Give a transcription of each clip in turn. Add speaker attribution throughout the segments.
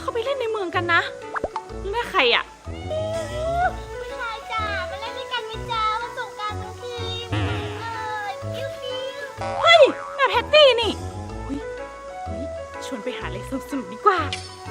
Speaker 1: เขาไปเล่นในเมืองกันนะแม่ใครอ่ะ
Speaker 2: ผู้ชายจ๋ามาเล่นด้วยกันไหมจ๊ะมาส่งการทั้งทีปิ้วปิ้ว
Speaker 1: เฮ้ยแม่แพตตี้นี่ชวนไปหาอะไรสนุกดีกว่า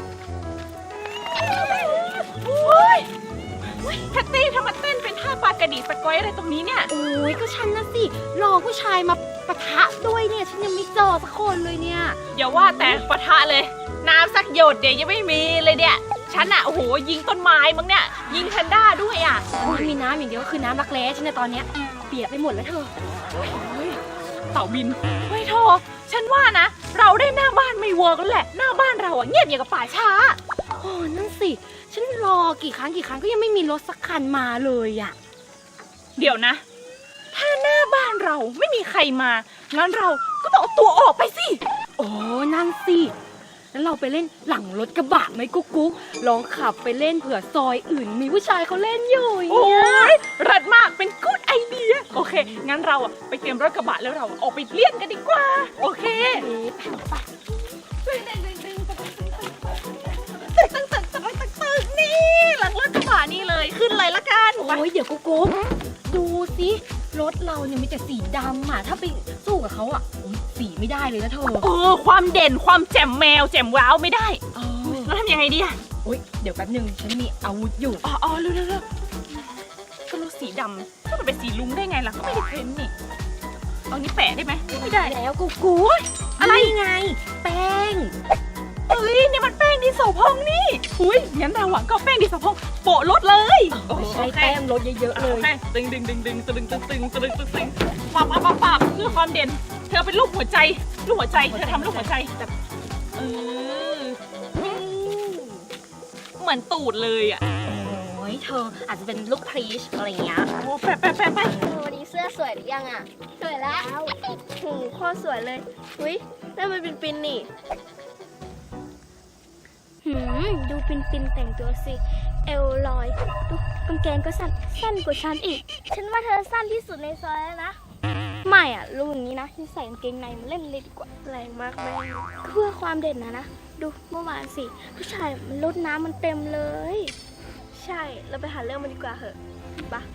Speaker 1: แพตตี้ทำมาเต้นเป็นท่าปลากระดีสกอยอะไรตรงนี้เนี่ย
Speaker 2: โอ้ยก็ฉันนะสิรอผู้ชายมาปะทะด้วยเนี่ยฉันยังไม่เจอสักคนเลยเนี่ย
Speaker 1: อย่าว่าแต่ปะทะเลยน้ำสักหยดเดี๋ยวยังไม่มีเลยเนี่ยฉันอะโอ้โหยิงต้นไม้มั้งเนี่ยยิงแพนด้าด้วยอะ
Speaker 2: มีน้ำอย่างเดียวก็คือน้ำรักแร้ฉันในตอนเนี้ยเปียกไปหมดแล้วเธอ
Speaker 1: เต่าบินเฮ้ยโทฉันว่านะเราได้หน้าบ้านไม่เวิร์กแล้วแหละหน้าบ้านเราอะเงียบอย่างกับป่าช้า
Speaker 2: โอ้นั่นสิฉันรอกี่ครั้งก็ยังไม่มีรถสักคันมาเลยอะ
Speaker 1: เดี๋ยวนะถ้าหน้าบ้านเราไม่มีใครมางั้นเราก็ต้องเอาตัวออกไปสิ
Speaker 2: โอ้นั่นสิแล้วเราไปเล่นหลังรถกระบะไหมกุ๊กกุ๊กลองขับไปเล่นเผื่อซอยอื่นมีผู้ชายเขาเล่นอยู่
Speaker 1: โอ้ยรัดมากเป็นกู๊ดไอเดียโอเคงั้นเราอะไปเตรียมรถกระบะแล้วเราออกไปเล่นกันดีกว่าโอเคตึกนี่หลังรถกระบะนี่เลยขึ้นเลยละกัน
Speaker 2: โอ้ยเดี๋ยวกุ๊กกุ๊กดูสิรถเราเนี่ยมีแต่สีดำอ่ะถ้าไปสู้กับเขาอ่ะสีไม่ได้เลยนะเธอ
Speaker 1: ความเด่นความแจ่มแมวแจ่มว้าวไม่ได้แล้วทำยังไงดีอ่ะ
Speaker 2: โอ๊ยเดี๋ยวแป๊บนึงฉันมีอาวุธอยู่
Speaker 1: เร็วก็รถสีดำถ้ามันเป็นสีลุ้งได้ไงล่ะก็ไม่ได้เพ้นนี่เอานี้แปะได้ไหมไม่ได้
Speaker 2: แล้วกุ๊กกุ๊กอะไรไงแป้ง
Speaker 1: นี่มันแป้งดินสอพองนี่งั้นเราหวังก็แป้งดินสอพองโปะรถเลย
Speaker 2: ใช้แป้งรถเยอะๆเลย
Speaker 1: ตึงปับเพื่อความเด่นเธอเป็นลูกหัวใจเธอทำลูกหัวใจแบบเหมือนตูดเลยอ่ะ
Speaker 2: โอ้ยเธออาจจะเป็นลูกพรีชอะไรเงี้ย
Speaker 1: แปะ
Speaker 2: วันนี้เสื้อสวยหรือยังอ่ะสวยแล้วโคตรสวยเลยนั่นมันเป็นปินนี่ดูปินแต่งตัวสิเอวลอยดูกางเกงก็สั้นกว่าฉันอีกฉันว่าเธอสั้นที่สุดในซอยแล้วนะไม่อ่ะรู้อย่างนี้นะฉันใส่กางเกงในมาเล่นเลยดีกว่าแรงมากแม่เพื่อความเด่นนะดูเมื่อวานสิผู้ชายมันลดน้ำมันเต็มเลยใช่เราไปหาเรื่องมันดีกว่าเหอะปะ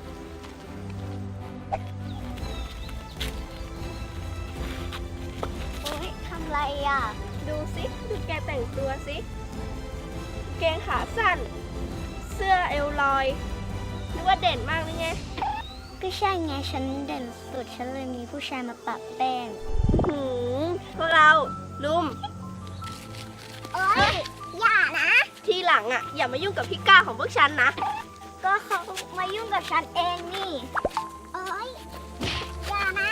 Speaker 2: ทำไรอ่ะดูสิดูแกแต่งตัวสิเกงขาสั้นเสื้อเอวลอยนึกว่าเด่นมากเลยไงก็ใช่ไงฉันเด่นสุดฉันเลยมีผู้ชายมาปะแป้งพวกเราลุมโอ๊ยอย่านะทีหลังอ่ะอย่ามายุ่งกับพี่ก้าของพวกฉันนะก็เขามายุ่งกับฉันเองนี่โอ๊ยอย่านะ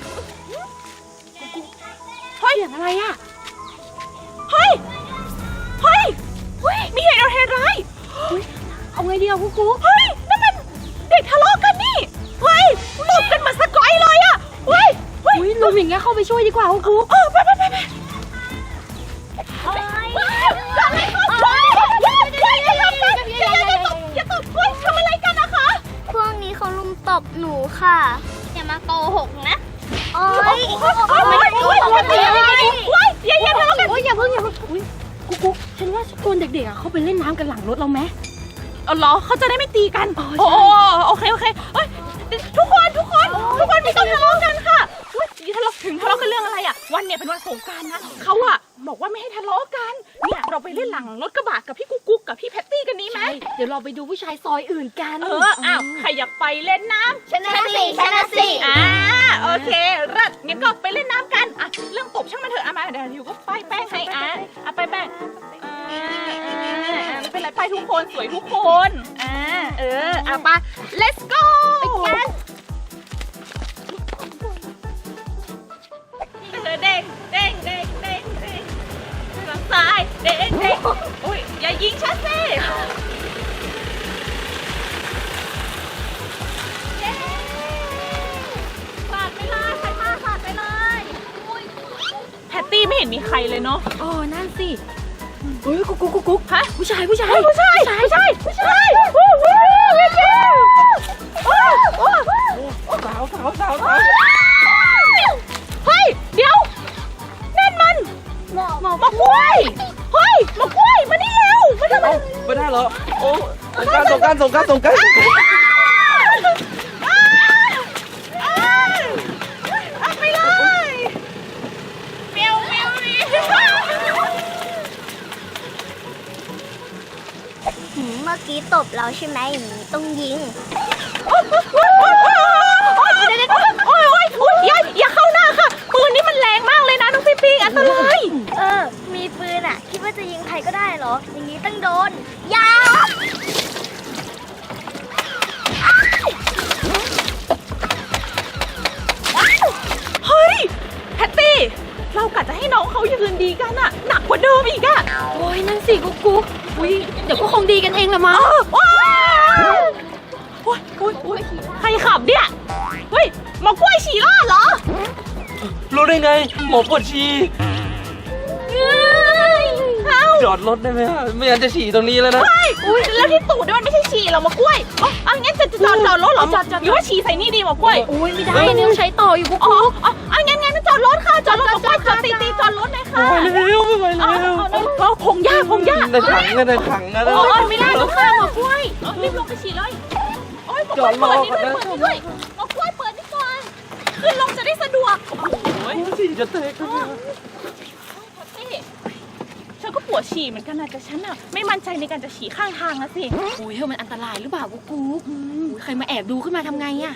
Speaker 1: เฮ้ยอะไรอ่ะเฮ้ยมีเหตุร้าย
Speaker 2: เอาไงดีอ่ะกุ๊ก
Speaker 1: นั่นมันเด็กทะเลาะกันนี่ตบกันเหมือนสกอยเลยอ่ะ
Speaker 2: ลุมอย่างเงี้ยเข้าไปช่วยดีกว่ากุ๊ก
Speaker 1: ไปอย่าตบทำอะไรกันนะคะ
Speaker 2: พวกนี้เขาลุมตบหนูค่ะอย่ามาโกหกนะอย่าทะเลาะกันอย่าเพิ่งกุ๊กฉันว่าคนเด็กๆเขาไปเล่นน้ำกันหลังรถเราไหม
Speaker 1: เหรอเขาจะได้ไม่ตีกันโอเคทุกคนไม่ต้องทะเลาะกันค่ะทะเลาะกันเรื่องอะไรอ่ะวันเนี่ยเป็นวันสงกรานต์นะเขาอ่ะบอกว่าไม่ให้ทะเลาะกันเนี่ยเราไปเล่นหลังรถกระบะกับพี่กุ๊กกับพี่แพตตี้กันนี้ไหม
Speaker 2: เดี๋ยวเราไปดูผู้ชายซอยอื่นกัน
Speaker 1: ใครอยากไปเล่นน้ำ
Speaker 2: ชนะสิ
Speaker 1: โอเครัดงั้นก็ไปเล่นน้ำกันเรื่องตบช่างมันเถอะมาเดี๋ยวอยู่ก็ป้ายแป้งให้ไปแป้งไม่เป็นไรไปทุกคนสวยทุกคนไป let's go ไปกันเด้งทางซ้ายเด้งอย่ายิงฉันสิสาดไปเลยใครมาสาดไปเลยแพตตี้ไม่เห็นมีใครเลยเนาะ
Speaker 2: นั่นสิกุ๊กฮะผู้ชาย
Speaker 1: สาวเฮ้ยเดี๋ยวนั่นมันมะกล้วยมัน
Speaker 3: ไม่ได้เหรอโอ้สงกราร
Speaker 1: ไปเลยเมียวดิ
Speaker 2: เมื่อกี้ตบเราใช่ไหมอย่างนี้ต้องยิง
Speaker 1: อย่าเข้าหน้าค่ะปืนนี่มันแรงมากเลยนะน้องปิ๊งอันตราย
Speaker 2: มีปืนอ่ะ คิดว่าจะยิงใครก็ได้เหรอ อย่างนี้ต้องโดนยา
Speaker 1: เฮ้ยแพตตี้เรากะจะให้น้องเขายืนดีกันอะหนักกว่าเดิมอีกอะ
Speaker 4: โอ้ยนั่นสิกุ๊กอุ้ยเดี๋ยวก็คงดีกันเองละมั้ง
Speaker 1: ว้าวโอ้ยใครขับเนี่ยเฮ้ยหมอกล้วยฉี่ราดเหรอ
Speaker 3: รู้ได้ไงหมอปวดฉี่
Speaker 1: เอ้า
Speaker 3: จอดรถได้ไหมไม่งั้นจะฉี่ตรงนี้แล้วนะ
Speaker 1: อุ้ยแล้วที่ตูดเนี่ยมันไม่ใช่ฉี่หรอหมอกล้วยอ๋องั้นจะจอดรถเหรอหรือว่าฉี่ใส่นี่ดีหมอกล้วย
Speaker 4: อุ้ยไม่ได้เนี่ยต้องใช้ต่ออยู่กุ๊ก
Speaker 1: งั้นจอดรถค่ะจอดรถหมอกล้วยจอดตีจอดรถเลยค่ะ
Speaker 3: ไม่ไหวแล้ว
Speaker 1: พงหญ้า
Speaker 3: ในถังนะ
Speaker 1: โอ้ยไม่ได้ลูกค่ะหมอกล้วยรีบลงไปฉี่เลยโอ้ยหมอกล้วยเปิดนี่ด้วยหมอกล้วยเปิดนี่ก่อนขึ้นลงจะได้สะดวกโอ้ย
Speaker 3: ฉี่จะแตก
Speaker 1: ฉันก็ปวดฉี่เหมือนกันนะแต่ฉันอะไม่มั่นใจในการจะฉี่ข้างทางนะสิ
Speaker 4: อุ้ยเฮ้ยมันอันตรายหรือเปล่ากุ๊กอุ้ยใครมาแอบดูขึ้นมาทำไงอะ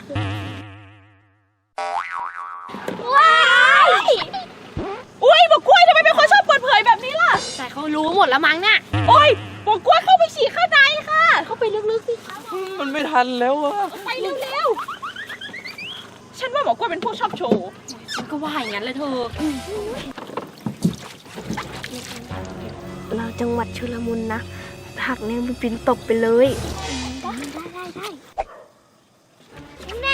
Speaker 1: ว้ายอุ้ยบอกกล้วยทำไมเป็นคนชอบเปิดเผยแบบนี้ล่ะ
Speaker 4: แต่เขารู้หมดแล้วมั้งเนี่ย
Speaker 1: โอ้ยบอกกล้วยเข้าไปฉี่ข้างในค่ะ
Speaker 4: เข้าไปลึกๆสิคะ
Speaker 3: มันไม่ทันแล้วอะ
Speaker 1: ไปเร็วๆฉันว่าหมอกล้วยเป็นพวกชอบโชว์
Speaker 4: ฉันก็ว่าอย่างนั้นเลยเธอ
Speaker 2: เราจังหวัดชุลมุนนะผักเนี่ยมันปินตบไปเลย ได้